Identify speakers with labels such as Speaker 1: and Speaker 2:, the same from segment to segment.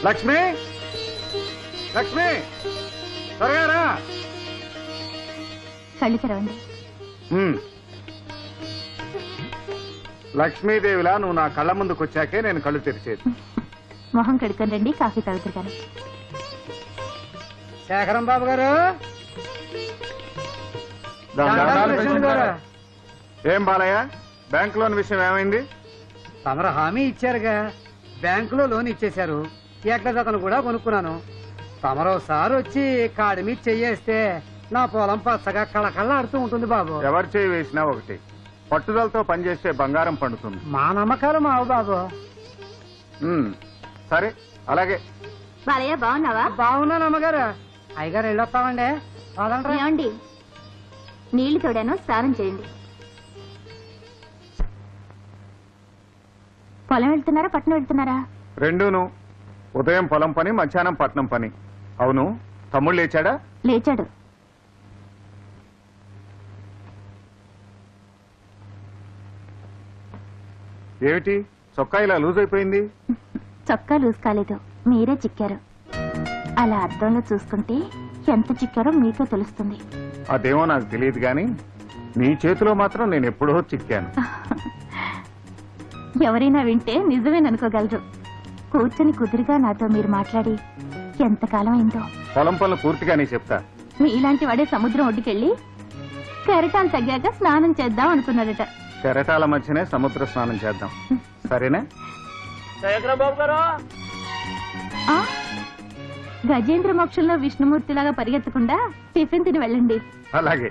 Speaker 1: లక్ష్మి, లక్ష్మి, త్వరగా రా.
Speaker 2: కళ్ళు తెరవండి.
Speaker 1: లక్ష్మీదేవిలా నువ్వు నా కళ్ళ ముందుకు వచ్చాకే నేను కళ్ళు తెరిచేది.
Speaker 2: మొహం కడుక్కొని రండి, కాఫీ తాగుతారు కానీ.
Speaker 3: శేఖరం బాబు గారు,
Speaker 1: ఏం బాలయ్య, బ్యాంక్ లోన్ విషయం ఏమైంది?
Speaker 3: తమరు హామీ ఇచ్చారుగా, బ్యాంకులో లోన్ ఇచ్చేశారు. ఎక్కడతను కూడా కొనుక్కున్నాను. తమరోసారి వచ్చి కాడి మీద చెయ్యేస్తే నా పొలం పచ్చగా కళకళలాడుతూ ఉంటుంది బాబు.
Speaker 1: ఎవరు చేయి వేసినా ఒకటి, పట్టుదలతో పనిచేస్తే బంగారం పండుతుంది.
Speaker 3: మా నమ్మకాలు మావు బాబు.
Speaker 1: సరే అలాగే.
Speaker 2: బాలయ్య బాగున్నావా?
Speaker 3: బాగున్నాను అమ్మగారు. అయ్యగారు వెళ్ళొస్తామండి.
Speaker 2: ఏమండి, నీళ్లు తోడాను, స్నానం చేయండి. పొలం వెళ్తున్నారా పట్నం వెళ్తున్నారా?
Speaker 1: రెండూను. ఉదయం పొలం పని, మధ్యాహ్నం పట్నం పని. అవును, తమ్ముడు లేచాడా?
Speaker 2: లేచాడు.
Speaker 1: ఏమిటి చొక్కా ఇలా లూజ్ అయిపోయింది?
Speaker 2: చొక్కా లూజ్ కాలేదు, మీరే చిక్కారు. అలా అద్దంలో చూసుకుంటే ఎంత చిక్కారో మీకే తెలుస్తుంది.
Speaker 1: అదేమో నాకు తెలియదు గాని నీ చేతిలో మాత్రం నేను ఎప్పుడో చిక్కాను.
Speaker 2: ఎవరైనా వింటే నిజమేననుకోగలరు. కూర్చొని కుదురుగా నాతో మీరు మాట్లాడి ఎంతకాలం అయిందో.
Speaker 1: పొలం పనులు పూర్తిగానే చెప్తా.
Speaker 2: మీలాంటి వాడే సముద్రం ఒడ్డుకెళ్ళి కెరటాలు తగ్గాక స్నానం చేద్దాం అనుకున్నాడట.
Speaker 1: కెరటాల మధ్యనే సముద్ర స్నానం చేద్దాం, సరేనా?
Speaker 2: ఆ? గజేంద్ర మోక్షంలో విష్ణుమూర్తిలాగా పరిగెత్తకుండా టిఫిన్ తిని వెళ్ళండి.
Speaker 1: అలాగే.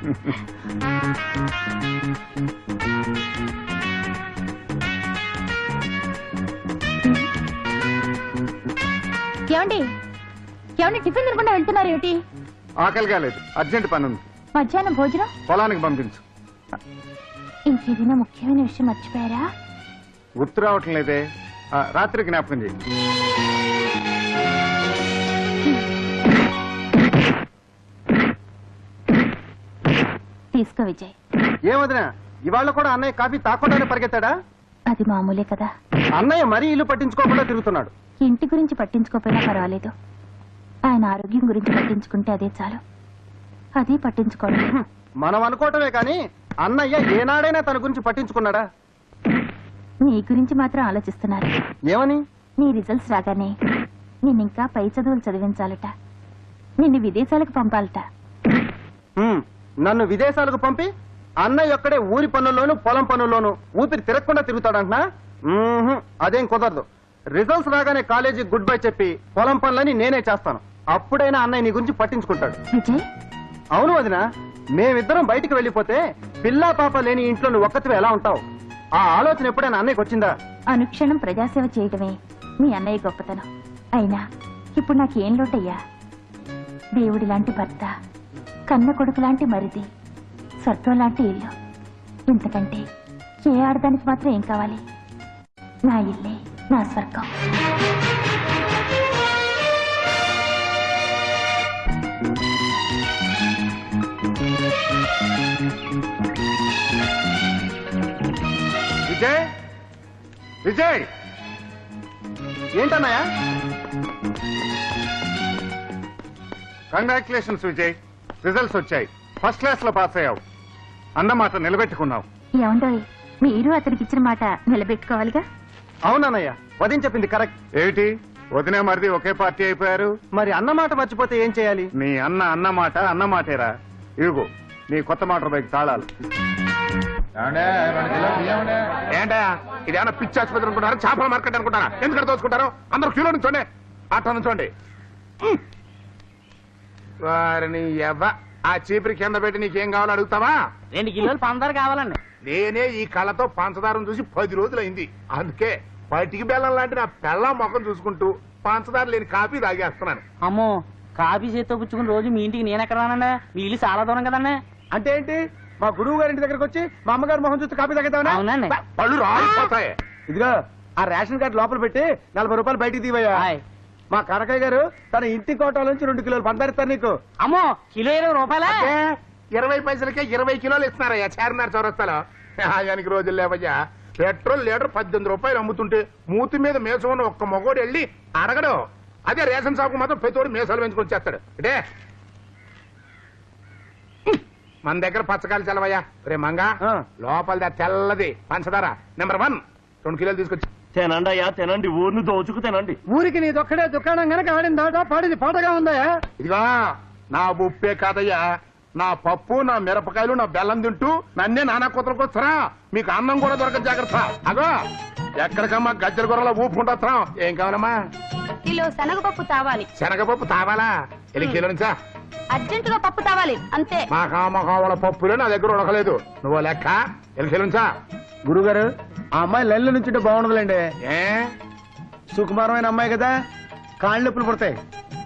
Speaker 2: ఏమండి, ఏమండి, టిఫిన్ తినకుండా వెళ్తున్నారు ఏమిటి?
Speaker 1: ఆకలి కాలేదు, అర్జెంట్ పని ఉంది.
Speaker 2: మధ్యాహ్నం భోజనం
Speaker 1: పొలానికి పంపించు.
Speaker 2: ఇంకేదైనా ముఖ్యమైన విషయం మర్చిపోయారా?
Speaker 1: గుర్తు రావటం లేదే. రాత్రి జ్ఞాపకం చేయి.
Speaker 2: తీసుకో విజయ్.
Speaker 3: ఏమదినా, ఇవాళ కూడా అన్నయ్య కాఫీ తాకుండానే పరిగెత్తాడా?
Speaker 2: అది మామూలే కదా.
Speaker 3: అన్నయ్య మరీ ఇల్లు పట్టించుకోకుండా తిరుగుతున్నాడు.
Speaker 2: ఇంటి గురించి పట్టించుకోకపోయినా పర్వాలేదు, ఆయన ఆరోగ్యం గురించి పట్టించుకుంటే అదే చాలు. అది పట్టించుకోవడం.
Speaker 3: మనం అనుకోవటమే కానీ అన్నయ్య ఏనాడైనా తన గురించి పట్టించుకున్నాడా?
Speaker 2: నీ గురించి మాత్రం ఆలోచిస్తున్నారు.
Speaker 3: ఏమని?
Speaker 2: నీ రిజల్ట్స్ రాగానే నిన్నింకా పై చదువులు చదివించాలట, నిన్ను విదేశాలకు పంపాలట.
Speaker 3: నన్ను విదేశాలకు పంపి అన్నయ్య ఒక్కడే ఊరి పనుల్లోనూ పొలం పనుల్లోనూ ఊపిరి తిరగకుండా తిరుగుతాడంటున్నా? అదేం కుదరదు. రిజల్ట్స్ రాగానే కాలేజీకి గుడ్ బై చెప్పి పొలం పనులని నేనే చేస్తాను. అప్పుడైనా అన్నయ్య నీ గురించి పట్టించుకుంటాడు.
Speaker 2: విజయ్,
Speaker 3: అవును వదినా, మేమిద్దరం బయటికి వెళ్ళిపోతే పిల్లా పాప లేని ఇంట్లో నువ్వు ఒక్కతివే ఎలా ఉంటావు? ఆ ఆలోచన ఎప్పుడైనా అన్నయ్యకి వచ్చిందా?
Speaker 2: అనుక్షణం ప్రజాసేవ చేయడమే మీ అన్నయ్య గొప్పతనం. అయినా ఇప్పుడు నాకేం లోటయ్యా? దేవుడి లాంటి భర్త, కన్న కొడుకు లాంటి మరిది, స్వర్గం లాంటి ఇల్లు. ఇంతకంటే ఏ ఆడదానికి మాత్రం ఏం కావాలి? నా ఇల్లే నా స్వర్గం.
Speaker 1: విజయ్, విజయ్,
Speaker 3: ఏంటన్నయ్య?
Speaker 1: కంగ్రాచులేషన్స్ విజయ్, రిజల్ట్స్ వచ్చాయి. ఫస్ట్ క్లాస్ లో పాస్ అయ్యావు. అన్నమాట నిలబెట్టుకున్నావు.
Speaker 2: ఏమండోయ్, మీరు అతనికి ఇచ్చిన మాట నిలబెట్టుకోవాలిగా.
Speaker 3: అవునన్నయ్య, వదిన చెప్పింది కరెక్ట్.
Speaker 1: ఏమిటి వదినే మరిది ఒకే పార్టీ అయిపోయారు?
Speaker 3: మరి అన్నమాట మర్చిపోతే ఏం చేయాలి?
Speaker 1: నీ అన్నమాట అన్నమాటేరా. ఇదిగో నీ కొత్త మోటార్ బైక్ తాళాలు.
Speaker 4: ఏంటా ఇదేమన్నా పిచ్చి ఆసుపత్రి అనుకుంటారా, చేపల మార్కెట్ అనుకుంటారా? ఎందుకంటే దోచుకుంటారు? అందరూ క్యూలో నుంచోండి, అట్లా నుంచోండి. వారిని ఆ చీపురి కింద పెట్టి నీకేం కావాలో అడుగుతావా?
Speaker 3: 2 కిలోలు పంచదార కావాలండి.
Speaker 4: నేనే ఈ కళ్ళతో పంచదారం చూసి 10 రోజులైంది. అందుకే పటికి బెల్లం లాంటి నా పెళ్ళం ముఖం చూసుకుంటూ పంచదార లేని కాఫీ తాగేస్తున్నాను.
Speaker 5: అమ్మో, కాఫీ చేత్తో పుచ్చుకుని రోజు మీ ఇంటికి నేను ఎక్కడ రానండి? మీ ఇల్లు చాలా దూరం కదండి.
Speaker 3: అంటే ఏంటి? మా గురువు గారి ఇంటి దగ్గరకు వచ్చి మా అమ్మగారు మొహం చూస్తే కాపీ తాగేద్దామని?
Speaker 5: అవునండి.
Speaker 4: పళ్ళు రాలిపోతాయి.
Speaker 3: ఇదిగో ఆ రేషన్ కార్డు లోపల పెట్టి 40 రూపాయలు బయటికి తీవయ్యా.
Speaker 5: హాయ్.
Speaker 3: మా కనకయ్య గారు తన ఇంటి కోటాల నుంచి 2 కిలోలు పంచదారిస్తారు నీకు.
Speaker 5: అమ్మో, కిలో 20 రూపాయలా?
Speaker 4: 20 పైసలకే 20 కిలోలు ఇస్తున్నారయ్యా చార్మినార్ చౌరస్తాలో. ఆయనకి రోజులు లేవయ్యా. పెట్రోల్ లీటర్ 18 రూపాయలు అమ్ముతుంటే మూతి మీద మేసం ఉన్న ఒక్క మగోడు వెళ్ళి అడగడు. అదే రేషన్ షాప్ మాత్రం ప్రతివాడు మేసాలు పెంచుకొని చేస్తాడు. అంటే మన దగ్గర పచ్చకాయలు చల్లవయ్యా. రే మంగా లోపల తెల్లది పంచదార నెంబర్ 1 2 కిలోలు తీసుకొచ్చి
Speaker 6: తినండి అయ్యా తినండి, ఊరిని దోచుకు తినండి.
Speaker 3: ఊరికి నీదొక్కడే దుకాణం గనక ఆడిన దాట పాడిది పాటగా ఉందా?
Speaker 4: ఇదిగా నా ఉప్పే కాదయ్యా, నా పప్పు, నా మిరపకాయలు, నా బెల్లం తింటూ నన్నే నానా కూతురకు వస్తారా? మీకు అన్నం కూడా దొరకదు, జాగ్రత్త. అగో ఎక్కడికమ్మా గజ్జల కూరలో ఊపుకుంటా. ఏం కావాలమ్మా?
Speaker 2: కిలో శనగపప్పు తావాలి.
Speaker 4: శనగపప్పు తావాలా? ఎన్ని కిలో నుంచా?
Speaker 2: అర్జెంటుగా పప్పు తావాలి అంతే.
Speaker 4: మా కామకావల పప్పులే నా దగ్గర ఉడకలేదు. నువ్వు లెక్క ఎన్ని కిలో నుంచా?
Speaker 3: గురుగారు ఆ అమ్మాయి లెల్లు నుంచుంటే బాగుండదులేండి.
Speaker 4: ఏ
Speaker 3: సుకుమారమైన అమ్మాయి కదా, కాళ్ళు నొప్పులు పడతాయి.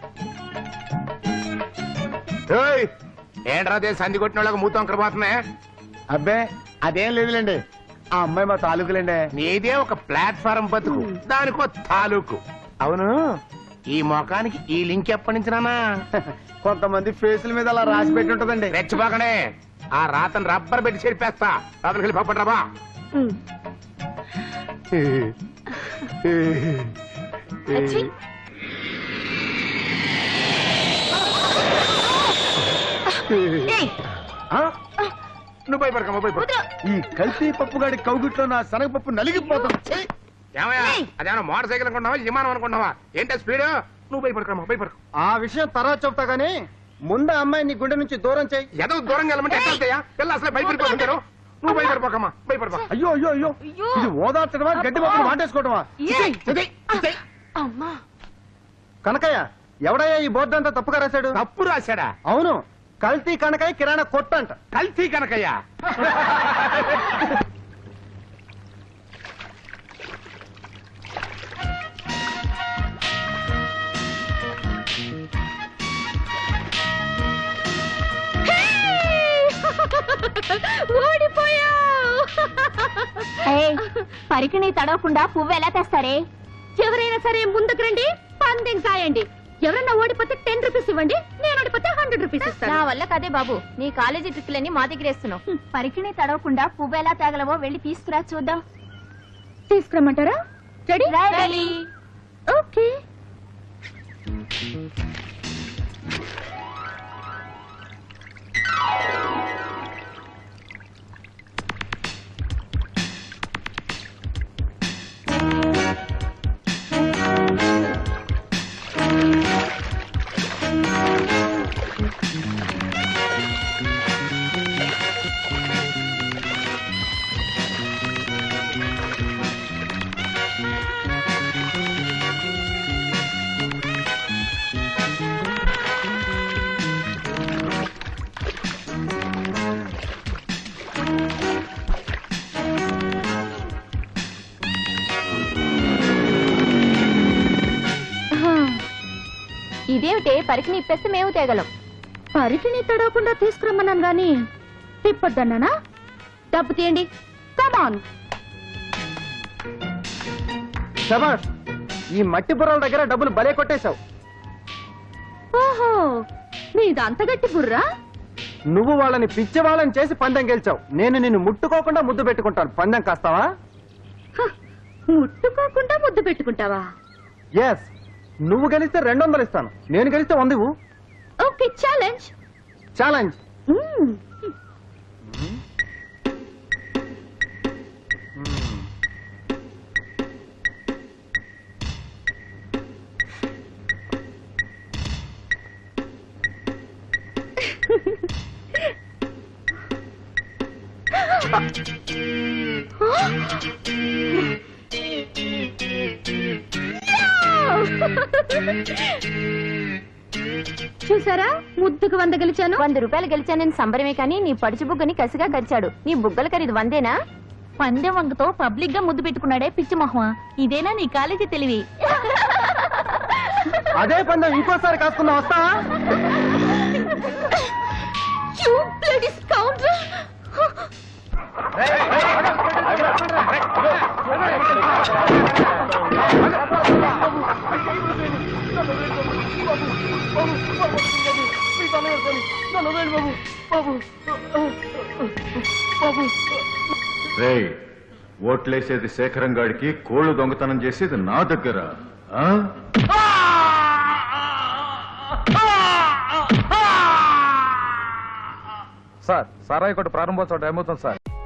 Speaker 4: ఏయ్, ఏంట్రా అదే సంధి కొట్టిన వాళ్ళకి మూతం పోతున్నాయి?
Speaker 3: అబ్బే అదేం లేదులేండి, ఆ అమ్మాయి మా తాలూకులేండి.
Speaker 4: నీదే ఒక ప్లాట్ఫారం బతుకు, దానికో తాలూకు. అవును, ఈ మొఖానికి ఈ లింక్ ఎప్పటి నుంచి నానా?
Speaker 3: కొంతమంది ఫేసుల మీద అలా రాసి పెట్టి ఉంటదండి.
Speaker 4: రెచ్చిపోకనే, ఆ రాతను రబ్బర్ పెట్టి చెరిపేస్తా. లోపలికి వెళ్ళి పప్పటి రాబా. నువ్వు భయపడకమ్మా, భయపడ.
Speaker 3: ఈ కల్తీ పప్పుగాడి కౌగిట్లో నా శనగపప్పు నలిగిపోతుంది.
Speaker 4: ఏమయ్యా, అదేమన్నా మోటార్ సైకిల్ అనుకుంటున్నావా, విమానం అనుకుంటున్నావా? ఏంటో స్పీడ్? నువ్వు భయపడకమ్మా, భయపడకు.
Speaker 3: ఆ విషయం తర్వాత చెప్తా గానీ ముందు అమ్మాయి నీ గుండె నుంచి దూరం చేయి.
Speaker 4: ఏదో దూరంగా వెళ్ళమంటే ఎట్లా వెళ్తాయా? పిల్ల అసలు భయపడిపోతుంటారు. నువ్వు భయపడిపోకమ్మా, భయపడిపో.
Speaker 3: అయ్యో అయ్యో అయ్యో, ఇది ఓదార్చడమా గడ్డి పప్పులు వాటేసుకోవటమా? కనకయ్య ఎవడయ్యా ఈ బోర్డు అంతా తప్పుగా రాశాడు?
Speaker 4: తప్పు రాశాడా?
Speaker 3: అవును, కల్తీ కనకయ్య కిరాణా కొట్టంట.
Speaker 4: కల్తీ కనకయ్యా?
Speaker 2: పరికిణి తడవకుండా పువ్వు ఎలా తెస్తారే? ఎవరైనా సరే ముందుకు రండి, పందెం కాయండి. ఎవరన్నా ఓడిపోతే 10 రూపీస్ ఇవ్వండి, నేను ఓడిపోతే 100 రూపీస్ ఇస్తాను. నా వల్ల కదే బాబు, నీ కాలేజీ ట్రిప్లన్నీ మా దగ్గర వేస్తున్నావు. పరికిణి తడవకుండా పువ్వు ఎలా తేగలవో వెళ్ళి తీసుకురా చూద్దాం. తీసుకురమ్మంటారా? రెడీ? ఓకే. ఇదేమిటే, పరికిణి ఇప్పేస్తే మేము తేగలం. పరికిణి తడవకుండా తీసుకురమ్మన్నాను గాని తిప్పొద్దన్నానా? డబ్బు తీయండి, కమాన్.
Speaker 3: శబాష్, ఈ మట్టి బుర్రల దగ్గర డబ్బులు భలే కొట్టేశావు.
Speaker 2: ఓహో, నీదంత గట్టి బుర్రా.
Speaker 3: నువ్వు వాళ్ళని పిచ్చి వాళ్ళని చేసి పందెం గెలిచావు. నేను నిన్ను ముట్టుకోకుండా ముద్దు పెట్టుకుంటాను. పందెం కాస్తావా?
Speaker 2: ముట్టుకోకుండా ముద్దు పెట్టుకుంటావా?
Speaker 3: ఎస్, నువ్వు గెలిస్తే 200 ఇస్తాను, నేను గెలిస్తే 100 ఇవ్వు.
Speaker 2: Okay, challenge.
Speaker 3: ఛాలెంజ్.
Speaker 2: చూసారా, ముద్దుకు 100 గెలిచాను. 100 రూపాయలు గెలిచానని సంబరమే కానీ నీ పడుచు బుగ్గని కసిగా కరిచాడు. నీ బుగ్గల ఖరీదు 100ఏనా? పందెం వంగతో పబ్లిక్ గా ముద్దు పెట్టుకున్నాడే పిచ్చి మొహమా. ఇదేనా నీ కాలేజీ తెలివి?
Speaker 3: అదే పందెం ఇంకోసారి కాసుకున్నా వస్తావా?
Speaker 1: ఓట్లేసేది శేఖరం గాడికి, కోళ్లు దొంగతనం చేసేది నా దగ్గర. ఆ?
Speaker 7: సార్ సారాయి కొట్టు ప్రారంభోత్సవం టైం అవుతుంది సార్.